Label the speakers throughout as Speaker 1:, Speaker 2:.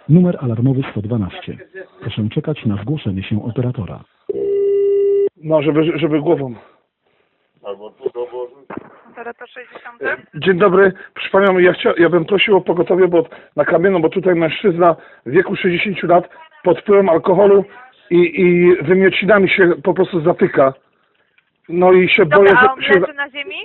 Speaker 1: Numer alarmowy 112. Proszę czekać na zgłoszenie się operatora.
Speaker 2: No, żeby głową.
Speaker 3: Albo tu dołożyć.
Speaker 4: Operator 60.
Speaker 2: Dzień dobry, proszę panią, ja bym prosił o pogotowie, bo na Kamienną, bo tutaj mężczyzna w wieku 60 lat pod wpływem alkoholu i wymiocinami się po prostu zatyka. No i się boję,
Speaker 4: Dobra, a on
Speaker 2: że się,
Speaker 4: leży na ziemi?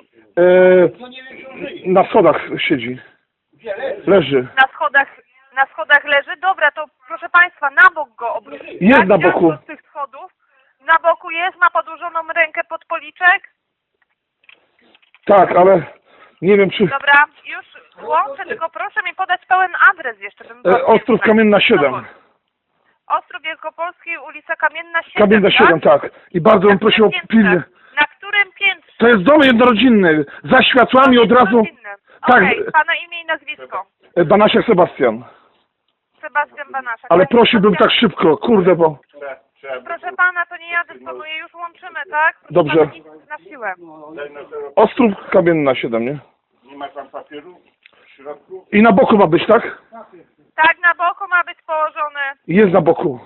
Speaker 2: na schodach siedzi. Leży.
Speaker 4: Na schodach leży? Dobra, to proszę Państwa, na bok go obrócić.
Speaker 2: Jest
Speaker 4: tak?
Speaker 2: na boku.
Speaker 4: Z tych schodów. Na boku jest, ma podłożoną rękę pod policzek.
Speaker 2: Tak, ale nie wiem czy...
Speaker 4: Dobra, już łączę, tylko proszę mi podać pełen adres jeszcze.
Speaker 2: Ostrów Kamienna 7.
Speaker 4: Ostrów Wielkopolski, ulica Kamienna 7,
Speaker 2: Kamienna 7, tak. I bardzo bym prosił o pilnie.
Speaker 4: Na którym piętrze?
Speaker 2: To jest dom jednorodzinny. Za światłami od razu... Tak.
Speaker 4: Okej, Pana imię i nazwisko.
Speaker 2: Banasiak Sebastian.
Speaker 4: Sebastian Banaszak.
Speaker 2: Ale
Speaker 4: Panie
Speaker 2: prosiłbym tak
Speaker 4: Sebastianie,
Speaker 2: szybko, kurde, bo...
Speaker 4: Proszę Pana, to nie ja dysponuję, już łączymy, tak? Proszę
Speaker 2: Dobrze.
Speaker 4: Pana, nic na siłę.
Speaker 2: Ostrów Kamienna 7, nie?
Speaker 3: Nie ma tam papieru w środku?
Speaker 2: I na boku ma być, tak?
Speaker 4: Tak, na boku ma być położony.
Speaker 2: Jest na boku.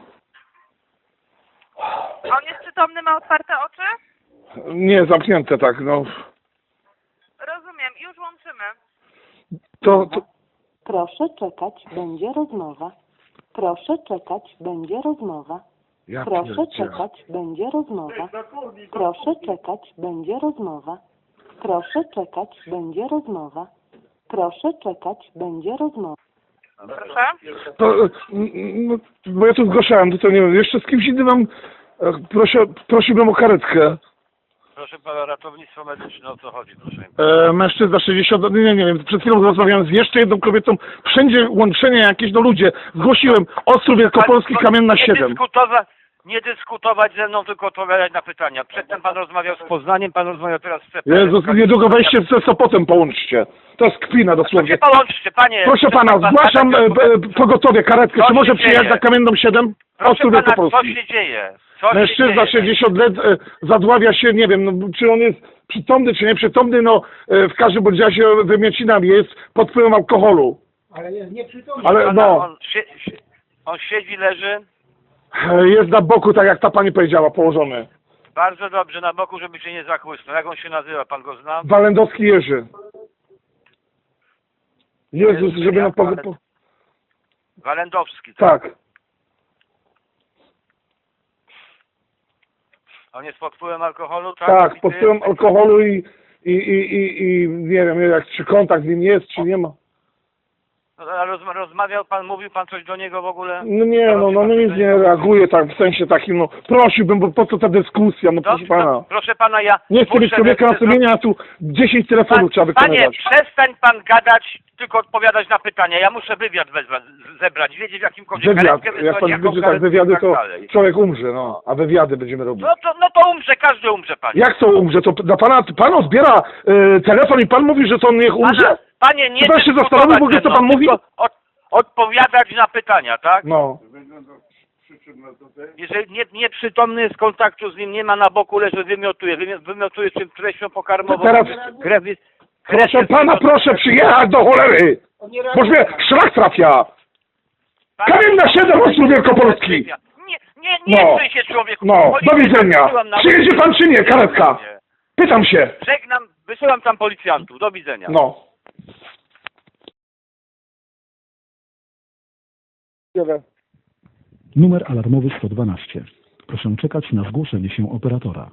Speaker 4: On jest przytomny, ma otwarte oczy?
Speaker 2: Nie, zamknięte tak, no.
Speaker 4: Rozumiem, już łączymy.
Speaker 2: To...
Speaker 5: Proszę czekać, będzie rozmowa. Proszę czekać, będzie rozmowa.
Speaker 2: Ja
Speaker 5: Proszę
Speaker 2: pierdzielę.
Speaker 5: czekać, będzie rozmowa. Proszę czekać, będzie rozmowa. Proszę czekać, będzie rozmowa. Proszę czekać, będzie rozmowa.
Speaker 4: Proszę.
Speaker 2: To, no, bo ja tu zgłaszałem, to nie wiem, jeszcze z kimś innym mam... Prosiłbym o karetkę.
Speaker 6: Proszę pana, ratownictwo medyczne, o co chodzi, proszę?
Speaker 2: Mężczyzna 60, nie wiem, przed chwilą rozmawiałem z jeszcze jedną kobietą, wszędzie łączenia jakieś, no ludzie, zgłosiłem, Ostrów Wielkopolski, Kamienna 7.
Speaker 6: Nie dyskutować ze mną, tylko odpowiadać na pytania. Przedtem pan rozmawiał z Poznaniem, pan rozmawiał teraz z CPR.
Speaker 2: Jezus, niedługo wejście ze Sopotem połączcie. To jest kpina
Speaker 6: To
Speaker 2: dosłownie.
Speaker 6: się połączcie, panie.
Speaker 2: Proszę pana, zgłaszam pogotowie, karetkę,
Speaker 6: Co
Speaker 2: czy może
Speaker 6: się
Speaker 2: przyjechać
Speaker 6: dzieje?
Speaker 2: na Kamienną 7?
Speaker 6: Proszę
Speaker 2: Ostrów
Speaker 6: pana, co
Speaker 2: Wielkopolski.
Speaker 6: się dzieje? Co się
Speaker 2: Mężczyzna
Speaker 6: dzieje?
Speaker 2: 60 lat zadławia się, nie wiem, no, czy on jest przytomny, czy nieprzytomny, no w każdym bądź razie wymiocinami, jest pod wpływem alkoholu.
Speaker 7: Ale jest nieprzytomny.
Speaker 2: Ale
Speaker 6: Pana,
Speaker 2: no,
Speaker 6: on siedzi, leży.
Speaker 2: jest na boku, tak jak ta pani powiedziała, położony.
Speaker 6: Bardzo dobrze, na boku, żeby się nie zachłysnął. Jak on się nazywa? Pan go zna?
Speaker 2: Walendowski Jerzy. Jezus, żeby na
Speaker 6: Walendowski.
Speaker 2: Tak.
Speaker 6: On jest pod wpływem alkoholu, tak?
Speaker 2: Tak, pod wpływem alkoholu i nie wiem, jak, czy kontakt z nim jest, czy nie ma.
Speaker 6: No, ale rozmawiał pan, mówił pan coś do niego w ogóle?
Speaker 2: No nie, no nic nie reaguje tak, w sensie takim, no prosiłbym, bo po co ta dyskusja, no proszę pana.
Speaker 6: No, proszę pana, ja...
Speaker 2: Nie chcę mieć człowieka na sumieniu, a tu 10 telefonów trzeba
Speaker 6: Panie,
Speaker 2: wykonywać.
Speaker 6: przestań pan gadać, tylko odpowiadać na pytania. Ja muszę wywiad zebrać, wiedzieć w jakimkolwiek
Speaker 2: Wywiad,
Speaker 6: karetkę
Speaker 2: jak
Speaker 6: wysłać,
Speaker 2: pan
Speaker 6: jaką
Speaker 2: będzie tak
Speaker 6: karetkę
Speaker 2: wywiady,
Speaker 6: i tak
Speaker 2: to
Speaker 6: dalej.
Speaker 2: człowiek umrze, no, a wywiady będziemy robić.
Speaker 6: No to umrze, każdy umrze, panie.
Speaker 2: Jak to umrze? To dla pan zbiera telefon i pan mówi, że to on niech umrze?
Speaker 6: Panie, nie
Speaker 2: Czy pan się
Speaker 6: dyskutować
Speaker 2: zastanowił w ogóle,
Speaker 6: ze
Speaker 2: co
Speaker 6: mną,
Speaker 2: pan mówi?
Speaker 6: tylko odpowiadać na pytania, tak?
Speaker 2: No.
Speaker 6: Jeżeli nieprzytomny jest, kontaktu z nim nie ma, na boku leży, wymiotuje czym treścią pokarmową.
Speaker 2: Teraz- Proszę pana, proszę przyjechać do cholery! Boż mnie szlak trafia! Kamienna 7, Ostrów Wielkopolski!
Speaker 6: Nie
Speaker 2: No.
Speaker 6: psuj się, człowieku.
Speaker 2: No, do
Speaker 6: Policję
Speaker 2: widzenia!
Speaker 6: wysyłam na-
Speaker 2: Przyjedzie pan czy nie, karetka? Pytam się!
Speaker 6: Żegnam, wysyłam tam policjantów. Do widzenia.
Speaker 2: No.
Speaker 1: Numer alarmowy 112. Proszę czekać na zgłoszenie się operatora.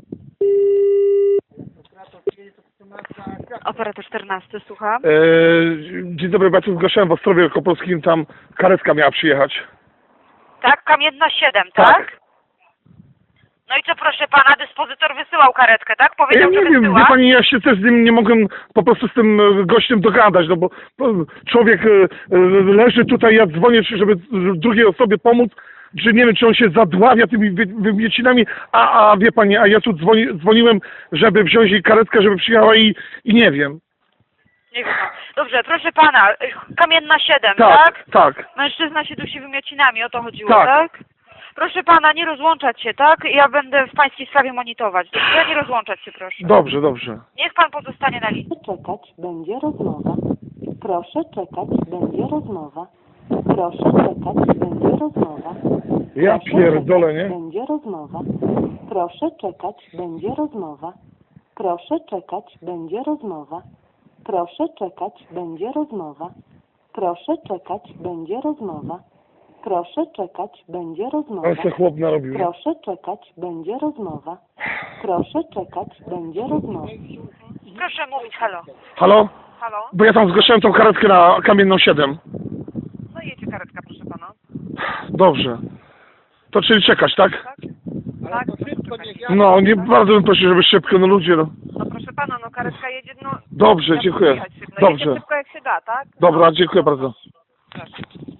Speaker 4: Operator 14, słucham.
Speaker 2: Dzień dobry, ja tu zgłaszałem w Ostrowie Wielkopolskim, tam karetka miała przyjechać.
Speaker 4: Tak, Kamienna 7, tak? No i co, proszę pana, dyspozytor wysyłał karetkę, tak?
Speaker 2: Ja
Speaker 4: Powiedział,
Speaker 2: nie
Speaker 4: że
Speaker 2: wiem,
Speaker 4: wysyła.
Speaker 2: wie pani, ja się też z nim nie mogłem po prostu z tym gościem dogadać, no bo człowiek leży tutaj, ja dzwonię, żeby drugiej osobie pomóc, że nie wiem, czy on się zadławia tymi wymiocinami, a wie pani, a ja tu dzwoniłem, żeby wziąć jej karetkę, żeby przyjechała i nie wiem.
Speaker 4: Nie wiem. Dobrze, proszę pana, Kamienna 7,
Speaker 2: Tak,
Speaker 4: tak?
Speaker 2: tak.
Speaker 4: Mężczyzna się dusi wymiocinami, o to chodziło,
Speaker 2: Tak.
Speaker 4: tak? Proszę pana, nie rozłączać się, tak? Ja będę w pańskiej sprawie monitorować. Dobrze, nie rozłączać się, proszę.
Speaker 2: Dobrze, dobrze.
Speaker 4: Niech pan pozostanie na linii.
Speaker 5: Proszę czekać, będzie rozmowa. Proszę czekać, będzie rozmowa. Proszę czekać, będzie rozmowa.
Speaker 2: Ja
Speaker 5: Proszę
Speaker 2: pierdolę,
Speaker 5: czekać,
Speaker 2: nie?
Speaker 5: Będzie rozmowa. Proszę czekać, będzie rozmowa. Proszę czekać, będzie rozmowa. Proszę czekać, będzie rozmowa. Proszę czekać, będzie rozmowa. Proszę czekać, będzie rozmowa.
Speaker 2: Ale se chłop narobił.
Speaker 5: Proszę czekać, będzie rozmowa. Proszę czekać, będzie rozmowa.
Speaker 4: Proszę mówić, halo.
Speaker 2: Halo?
Speaker 4: Halo?
Speaker 2: Bo ja tam zgłaszałem tą karetkę na Kamienną 7.
Speaker 4: No jedzie karetka, proszę pana.
Speaker 2: Dobrze. To czyli czekać, tak?
Speaker 4: Tak?
Speaker 2: No, nie bardzo bym prosił, żeby szybko, no ludzie, no.
Speaker 4: No proszę pana, no karetka jedzie, no...
Speaker 2: Dobrze,
Speaker 4: jak
Speaker 2: dziękuję.
Speaker 4: jechać szybko? Jedzie
Speaker 2: Dobrze.
Speaker 4: szybko jak się da, tak?
Speaker 2: Dobra, dziękuję bardzo.
Speaker 4: Proszę.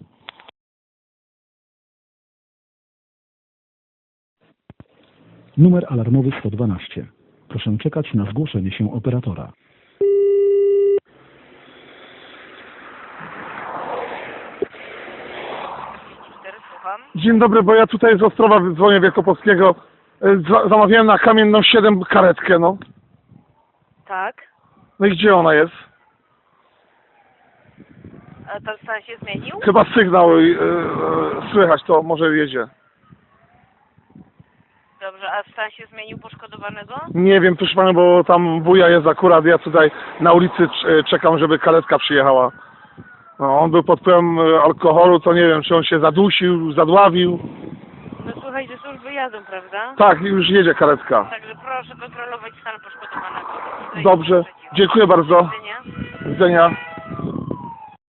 Speaker 1: Numer alarmowy 112. Proszę czekać na zgłoszenie się operatora.
Speaker 4: Słucham.
Speaker 2: Dzień dobry, bo ja tutaj z Ostrowa dzwonię Wielkopolskiego. Zamawiałem na Kamienną 7 karetkę, no.
Speaker 4: Tak.
Speaker 2: No i gdzie ona jest?
Speaker 4: A to stan się zmienił?
Speaker 2: Chyba sygnał słychać, to może jedzie.
Speaker 4: Dobrze, a stan się zmienił poszkodowanego?
Speaker 2: Nie wiem, proszę pana, bo tam wuja jest akurat, ja tutaj na ulicy czekam, żeby karetka przyjechała. No, on był pod wpływem alkoholu, to nie wiem, czy on się zadusił, zadławił.
Speaker 4: No słuchaj, że służby jadą, prawda?
Speaker 2: Tak, już jedzie karetka.
Speaker 4: Także proszę kontrolować stan poszkodowanego.
Speaker 2: Dobrze, dziękuję bardzo.
Speaker 4: Do widzenia.
Speaker 2: Do widzenia.